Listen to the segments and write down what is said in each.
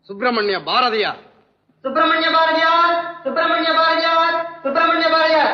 சுப்பிரமணிய பாரதியார். சுப்பிரமணிய பாரதியார், சுப்பிரமணிய பாரதியார், சுப்பிரமணிய பாரதியார்.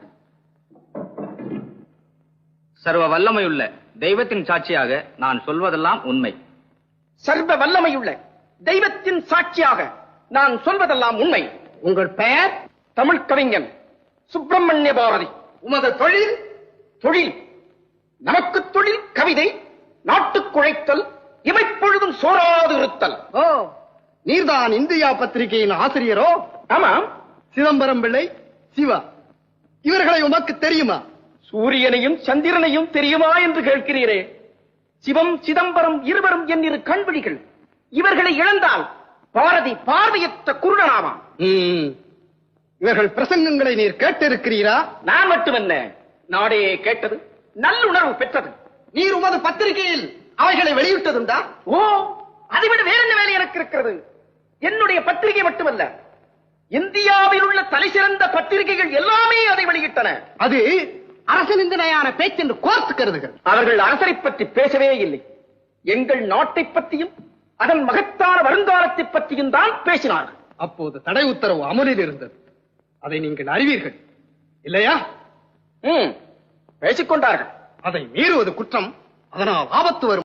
சர்வ வல்லமையுள்ள தெய்வத்தின் சாட்சியாக நான் சொல்வதெல்லாம் உண்மை. சர்வ வல்லமையுள்ள தெய்வத்தின் சாட்சியாக நான் சொல்வதெல்லாம் உண்மை. உங்கள் பெயர்? தமிழ் கவிஞன் சுப்பிரமணிய பாரதி. உமது தொழில்? தொழில் நமக்கு தொழில் கவிதை, நாட்டுக்குழைத்தல், இமைப்பொழுதும் சோராது இருத்தல். ஓ, நீர்தான் இந்தியா பத்திரிகையின் ஆசிரியரோ? ஆமாம். சிதம்பரம் பிள்ளை, சிவா இவர்களை உமக்கு தெரியுமா? சூரியனையும் சந்திரனையும் தெரியுமா என்று கேட்கிறீரே. சிவம் சிதம்பரம் இருவரும் என் இரு கண்விழிகள். இவர்களை இழந்தால் பாரதி பார்வையற்ற குருடனாவான். இவர்கள் பிரசங்கங்களை நீர் கேட்டிருக்கிறீரா? நான் மட்டுமல்ல, நாடே கேட்டது, நல்லுணர்வு பெற்றது. நீர் உமது பத்திரிகையில் அவைகளை வெளியிட்டதுண்டா? ஓ, அதைவிட வேற என்ன வேலை எனக்கு இருக்கிறது? என்னுடைய பத்திரிகை மட்டுமல்ல, இந்தியாவில் உள்ள தலைசிறந்த பத்திரிகைகள் எல்லாமே அதை வெளியிட்டன. அது அரசு நிந்தனையான பேச்சு என்று கோர்த்து கருதுகள். அவர்கள் அரசரை பற்றி பேசவே இல்லை. எங்கள் நாட்டை பற்றியும் அதன் மகத்தான வருங்காலத்தை பற்றியும் தான் பேசினார்கள். அப்போது தடை உத்தரவு அமலில் இருந்தது. அதை நீங்கள் அறிவீர்கள் இல்லையா? பேசிக்கொண்டார்கள். அதை மீறுவது குற்றம். அதனால் ஆபத்து வரும்.